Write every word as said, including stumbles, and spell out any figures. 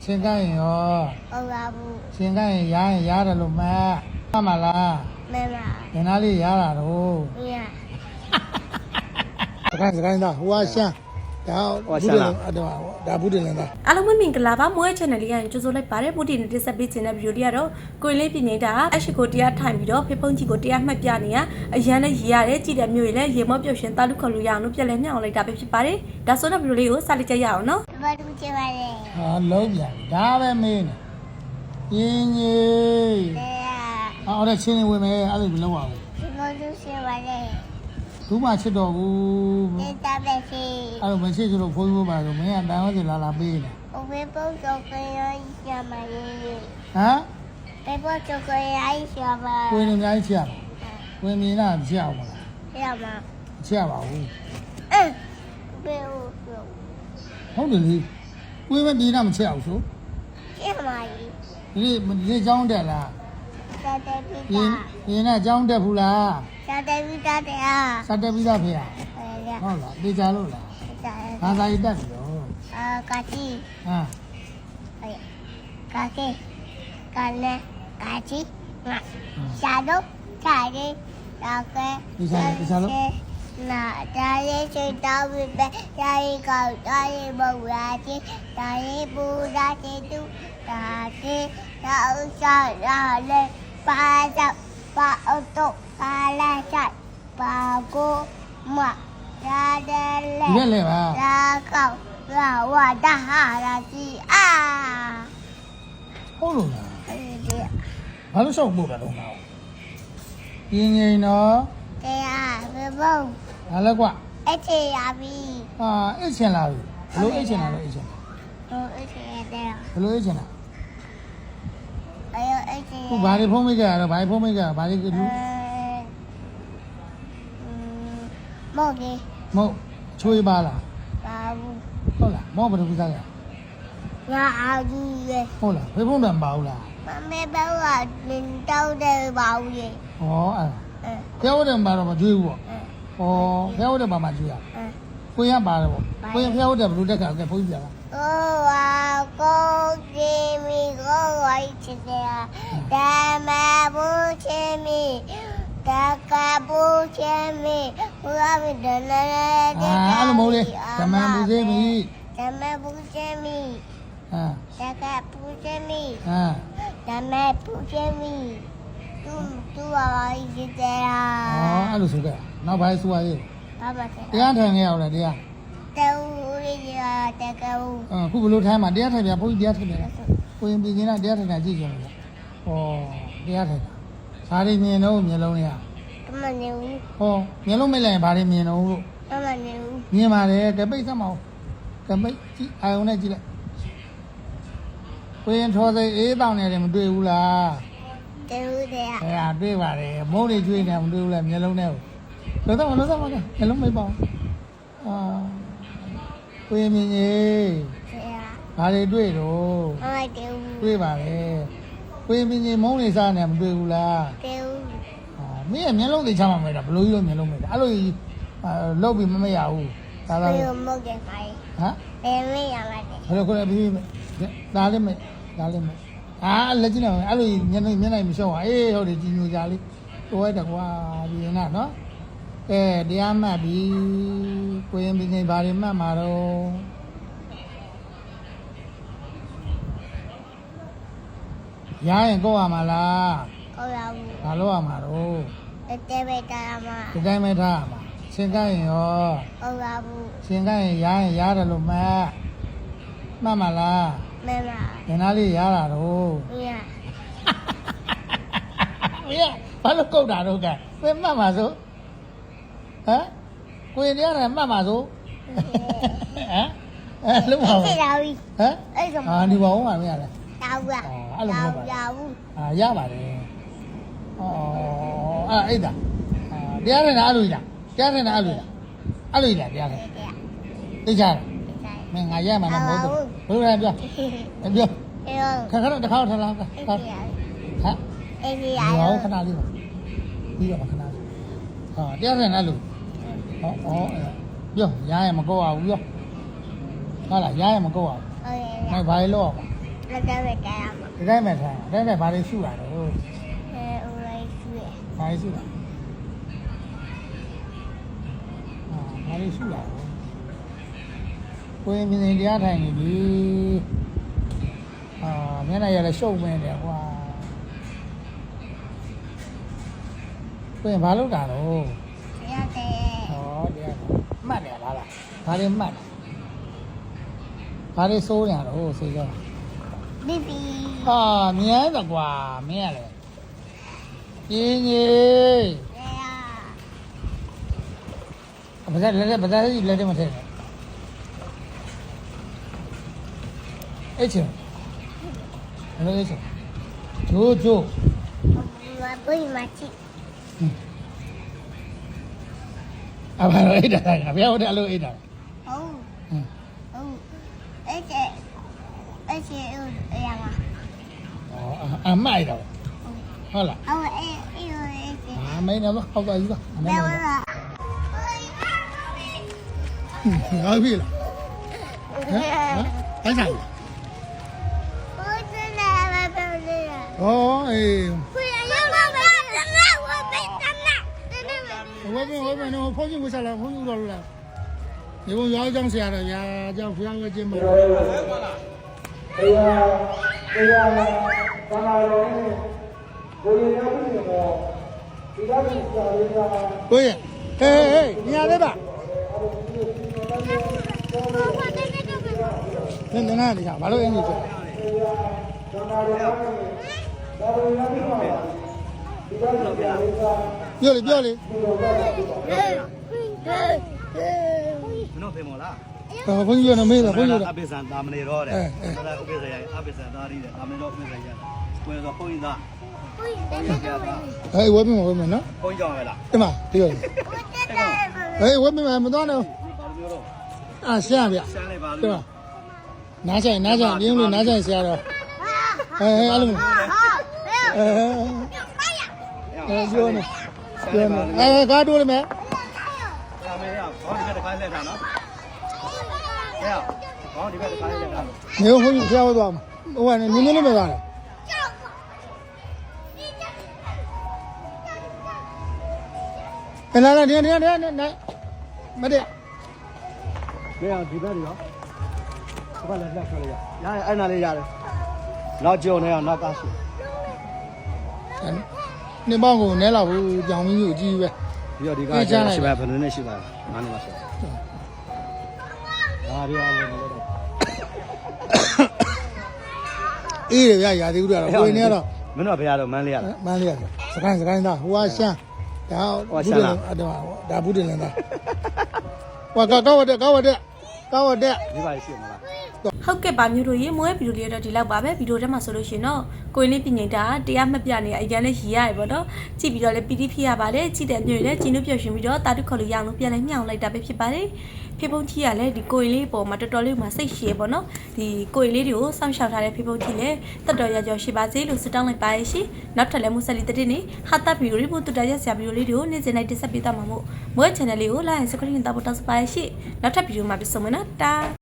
ရှင်ကရင်ရောဟုတ်ပါဘူးရှင်ကရင်ရားရင်ရားတယ်လို့မှတ်မှတ်မလားမှန်ပါငင်သားလေးရားတာတော့မရစကိုင်းစကိုင်းသားဟိုကရှမ်းဒါဘူးတယ်အဲ့ဒါဒါဘူးတယ်လည်းသားအားလုံးမင်္ဂလာပါမွေး channel လေးရရင်ကြိုဆိုလိုက်ပါတယ်ပို့တင်နေတက်ဆက်ပေးခြင်းတဲ့ဗီဒီယိုလေးကတော့ကိုရင်လေးပြင်နေတာအရှိကိုတရားထိုင်ပြီးတော့ဖေဖုံးကြီးကိုတရားမှတ်ပြနေရအရန်နဲ့ရေးရတယ်ကြည့်တဲ့မျိုးတွေလည်းရေမော့ပြုတ်ရှင်တာလူခေါ်လို့ရအောင်လို့ပြန်လဲမျှအောင်လိုက်တာပဲဖြစ်ပါတယ်ဒါဆိုတော့ဗီဒီယိုလေးကိုစလိုက်ကြရအောင်နော်ဘာလို့ချင်ပါလဲဟာလုံးပြန်ဒါပဲမင်းရင်းကြီးတဲ့အော်တဲ့ချင်းဝင်မယ်အဲ့လိုမလုပ်ပါဘူးဘာလို့ချင်ပါလဲဘူးမှချစ်တော်ဘူးတဲ့တာပဲစီအဲ့လိုမရှိဆိုတော့ဖိုးဖိုးပါဆိုမင်းကတန်ဟောစီလာလာပေးနေဘယ်ပေါ်တော့ကြရရမလဲဟမ်ဘယ်ပေါ်တော့ကြရရပါကိုင်းနေအများကြီးချစ်ရပါကိုင်းမြင်လာချစ်အောင်မလားချစ်ရပါချစ်ရပါဘူးအဲဘယ်ဟုတ်တယ်လေကိုင်းမဒီနာမချစ်အောင်ဆိုချစ်ပါလေဒီဒီเจ้าတက်လားတက်တက်ပြီးတာရင်းနဲ့เจ้าတက်ဘူးလားတက်တက်ပြီးတာတရားစတက်ပြီးသားဖေရဟုတ်လားတေချာလို့လားဘာသာရေးတက်ပြီတော့အာကာတီဟမ်အေးကာကေကာလေကာတီငါရှာတော့ခြာရီတာကေတေချာတေချာလို့နာတာရီချေတောင်းပြီးပဲတာရီကောက်တာရီဘုရားကြီးတာရီပူရာချေတူတာကေတာဥစားရာလေပါတော့ပါအတော့ပါလာချိုက်ပါကိုမရာတယ်လေဒီလေပါရာကောက်ရာဝတာဟာရာကြီးအာဟုတ်လို့လားအေးဒီဘာလို့ရှောက်ပို့တာတော့ငါ့ကိုရင်းငိန်တော့တရားဘယ်ဘုံဟာလဲကွာအဲ့ချေရပြီဟာအိတ်ချင်လာပြီဘလို့အိတ်ချင်လာလို့အိတ်ချင်လာဟိုအဲ့ချေရတယ်ဘလို့အိတ်ချင်လာအေးအဲ့ချေဟိုဘာတွေဖုံးမိကြရတော့ဘာတွေဖုံးမိကြဘာတွေလူမော်ကြီးမဟုတ်ချွေးပါလားပါဘူးဟုတ်လားမောဘယ်လိုစားရငါအားကြီးရဲ့ဟုတ်လားဖေဖုံးတယ်မပါဘူးလားမမေဘောကလင်းတောက်တယ်ပါဘူးရဲ့ဩအဲ့ဖျောက်တယ်မပါတော့မကျွေးဘူးပေါ့ဩဖျောက်တယ်ပါမှကျွေးရကိုရပါတယ်ပေါ့ကိုရဖျောက်တယ်ဘယ်လိုတက်ကဲဖုံးပြပါโอ้ว้าวก็กิมีก็ไว้ชิเดียแต่มาบูชิมีแต่กาบูชิมีผู้อาวิดนเลยอ่าအဲ့လိုမဟုတ်လေဓမ္မဘူชิมีဓမ္မဘူชิมีอ่าแต่กาบูชิมีอ่าဓမ္မဘူชิมีသူသူဝါရှိတယ်ဟာอ๋อအဲ့လိုဆိုခဲ့နောက်ဘာဆိုရရေးဘာမှဆက်တရားထိုင်ခဲ့ရအောင်လားတရားတူရီရတဲ့ကူအခုဘလို့ထိုင်မှာတရားထိုင်ပြဘုန်းကြီးတရားထိုင်ပြလားကိုရင်ပြည်ချင်းကတရားထိုင်တာကြည့်ကြတယ်ဟောတရားထိုင်တာဘာတွေမြင်တော့မျက်လုံးတွေကမနေဘူးဟောမျက်လုံးမိတ်လိုက်ရင်ဘာတွေမြင်တော့လို့မနေဘူးမြင်ပါတယ်ကပိတ်စမ်းမအောင်ကပိတ်ကြည့်အာယုံနဲ့ကြည့်လိုက်ကိုရင်ထော်စိတ်အေးတောင်းနေတယ်မတွေ့ဘူးလားတွေ့ဘူးတဲ့အဲဒါတွေ့ပါတယ်မုန်းတွေကျွေးနေမတွေ့ဘူးလားမျက်လုံးနဲ့လို့တော့လို့တော့မကမျက်လုံးမိတ်ပါအောင်အာကိုရင်မြင်ကြီးဘာတွေတွေ့တော့မတွေ့ဘူးတွေ့ပါလေကိုရင်မြင်ကြီးမုန်းနေစားနေမတွေ့ဘူးလားတွေ့ဘူးအာမင်းရဲ့မျက်လုံးသိချမှာမလားဘလို့ကြီးလို့မျက်လုံးမိတာအဲ့လိုကြီးလောက်ပြီးမမရဘူးဒါတော့ဘယ်လိုမဟုတ်တဲ့ခိုင်းဟမ်ဘယ်မရမှာလဲဘယ်လိုခေါ်လဲပြီးဒါလေးမဒါလေးမအာလက်ကြည့်နေအဲ့လိုမျက်နှာမျက်နှာမရှော့ပါအေးဟုတ်တယ်ကြည်ညိုကြလေးတိုးလိုက်တော့ကွာဒီရင်ကနော်အဲတရားမှတ်ပြီးကိုရင်ပြီးနေဘာတွေမှတ်မှာတော့ရရင်ကိုရမှာလားကိုရဘူးဘာလို့ရမှာတော့တဲပဲတာမှာဒီတိုင်းပဲထားရမှာရှင်ကရင်ရောကိုရဘူးရှင်ကရင်ရရင်ရတယ်လို့မှတ်မှတ်မှာလားမှန်ပါငင်သားလေးရတာတော့မရမရဘာလို့ကုတ်တာတော့ကဲမင်းမှတ်မှာဆိုဟမ်ကိုရင်တရားနဲ့မှတ်မှာဆိုဟမ်အဲလုံးပါဘူးရပြီဟမ်အဲ့ဒါအာဒီပါဦးမှာမရလဲတောက်ရအဲ့လိုမဟုတ်ပါရဘူးအာရပါတယ်ဩအဲ့အဲ့ဒါအာတရားနဲ့အဲ့လိုကြီးလားတရားနဲ့အဲ့လိုကြီးလားအဲ့လိုကြီးလားတရားနဲ့သိကြလားမင်းငါရမှာမဟုတ်ဘူးဘယ်လိုလဲပြောပြောခဏခဏတစ်ခါထလာဟမ်အေးရရောခဏလေးပါပြီးတော့ခဏလေးဟာတရားနဲ့အဲ့လိုဟောဩပြောရရင်မကောက်အောင်ပြောဟုတ်လားရရင်မကောက်အောင်ဟုတ်ကဲ့ဘာလို့လောက်အောင်လက်ကြပဲကြရမှာဒီတိုင်းမဲ့ထိုင်ဒီတိုင်းမဲ့ဘာတွေရှုတာတော့အဲဦးလေးရွှေဘာတွေရှုတာအာဘာတွေရှုတာကိုယ်မြင်နေတရားထိုင်နေပြီအာမျက်နှာရလည်းရှုပ်မင်းတယ်ကွာကိုယ်ဘာလုပ်တာတော့ရတယ်ဟောတရားမှတ်တယ်လားလားဘာတွေမှတ်ဘာတွေစိုးနေတာတော့စေကြောဘီဘီဟာမြဲတယ်ကွာမင်းရလေပြင်းကြီးအဲဘာသာလက်လက်ဘာသာကြီးလက်တယ်မထည့်နဲ့အဲ့ချင်ဘယ်လိုလဲချင်ဂျိုးဂျိုးမပွေးမချီအဘာလို့အိတ်တာလဲဘယ်ဟုတ်တယ်အလို့အိတ်တာဟုတ်ဟမ်ဟုတ်အဲ့ကျအဲ့ကျအဲ့ရမှာဩအမိုက်တော့ဟုတ်လားဟုတ်အဲ့အဲ့အဲ့ကျအာမင်းတော့ဟောက်သွားယူပါအမဘင်းယ်တော့ဝါငါပြီလားဟမ်အဲ့ဆိုင်ဘိုးစလာမပြောလေဩအေးခွေရရောက်လာတယ်ငါဝတ်ပေးတနာတင်းနေမဝဲပြန်ဝဲပြန်တော့ဖုန်းကြီးဝစားလာဖုန်းကြီးတော့လာဒီဘုံရောင်းကြောင်းဆရာတော်ရာကြောင်းဖျားဝဲခြင်းမလို့တရားတရားဘာသာတော်နဲ့ကိုယ်ရည်ရပြီးတော့ဒီလိုမျိုးစာရေးတာကိုရဟေးဟေးညာလေးပါ နင်နင်နာနေကြဘာလို့အင်းကြီးဆိုပြောလေပြောလေမနှုတ်ဖေမောလားဟောဘုန်းကြီးရနေမေးတာဘုန်းကြီးရအပိစံတာမနေတော့တဲ့ဒါလည်းဥပိစံရအပိစံသားရီးတဲ့တာမနေတော့ဥပိစံရကိုယ်တော့ဘုန်းကြီးသားပွေးတယ်နေတော့ဟေးဝဲမဝဲမနော်ဘုန်းကြီးကြောင့်ပဲလားဒီမှာဒီလိုပွေးတယ်ဟေးဝဲမမသွားနဲ့ဘာလို့ပြောတော့အာရှာဗျရှမ်းလိုက်ပါဒီလို့မှာနားဆိုင်နားဆိုင်ပြင်းလို့နားဆိုင်ဆရာတော်ဟေးဟေးအဲ့လိုအဲအဲပြောနေပြောနေအဲကားတိုးလိုက်မယ်တာမရဘောင်းဒီဘက်တစ်ခါလက်တာနော်ဟဲ့ဘောင်းဒီဘက်တစ်ခါလက်တာနေဘုန်းကြီးဆရာဝဲသွားမှာဟိုကနေနင်းနင်းလေးမသွားနဲ့လာလာဒီဒီဒီမတဲ့မင်းဒီဘက်ရောဘာလဲလက်ဆွဲရရအဲ့နာလေးရတယ်နောက်ကြုံနေအောင်နောက်ကားရှိနေပေါင်းကိုနဲလောက်ဘူးကြောင်မင်းကြီးကိုကြည့်ပဲပြီးတော့ဒီကားရှိပါဘယ်လိုနဲ့ရှိပါငါးနှစ်လောက်ရှိပါဒါရီအောင်လို့မလုပ်တော့အေးရရရာသီဥတုကတော့ကိုယ်နေတော့မင်းတို့ဘယ်ရတော့မန်းလေးရလားမန်းလေးရစကိုင်းစကိုင်းသားဟိုကရှမ်းဒါဘူးတယ်ဒါဘူးတယ်လန်သားဟိုကကောက်ဝတက်ကောက်ဝတက်ကောက်ဝတက်ဒီပါရှိမလားဟုတ်ကဲ့ပါမျိုးတို့ရေမွေးဗီဒီယိုလေးတော့ဒီလောက်ပါပဲဗီဒီယိုထဲမှာဆိုလို့ရှိရင်တော့ကိုရင်လေးပြင်နေတာတရားမှတ်ပြနေအရင်လေးရည်ရတယ်ပေါ့နော်ကြည့်ပြီးတော့လည်းပီတိဖြစ်ရပါတယ်ကြည့်တဲ့မျိုးတွေလည်းကျင်းလို့ပြောရှင်ပြီးတော့တာတုခေါ်လို့ရအောင်လို့ပြန်လဲမြှောင်လိုက်တာပဲဖြစ်ပါတယ်ဖေဖုန်းကြီးကလည်းဒီကိုရင်လေးပေါ်မှာတော်တော်လေးမှစိတ်ရှည်ပေါ့နော်ဒီကိုရင်လေးတွေကိုစောင့်ရှောက်ထားတဲ့ဖေဖုန်းကြီးလည်းတက်တော်ရကြောရှိပါစေလို့ဆုတောင်းလိုက်ပါရရှင်နောက်ထပ်လည်းမူဆက်လီတဲ့နေ့ဟာတာဗီဒီယိုလေးပို့တူတရရဆရာဗီဒီယိုလေးတွေကိုနေ့စဉ်လိုက်တက်ဆက်ပေးသွားမှာမို့မွေး channel လေးကို like and subscribe တောက်ဖို့တောက်စပါရရှင်နောက်ထပ်ဗီဒီယိုမှာပြန်ဆုံမယ်နော်တာ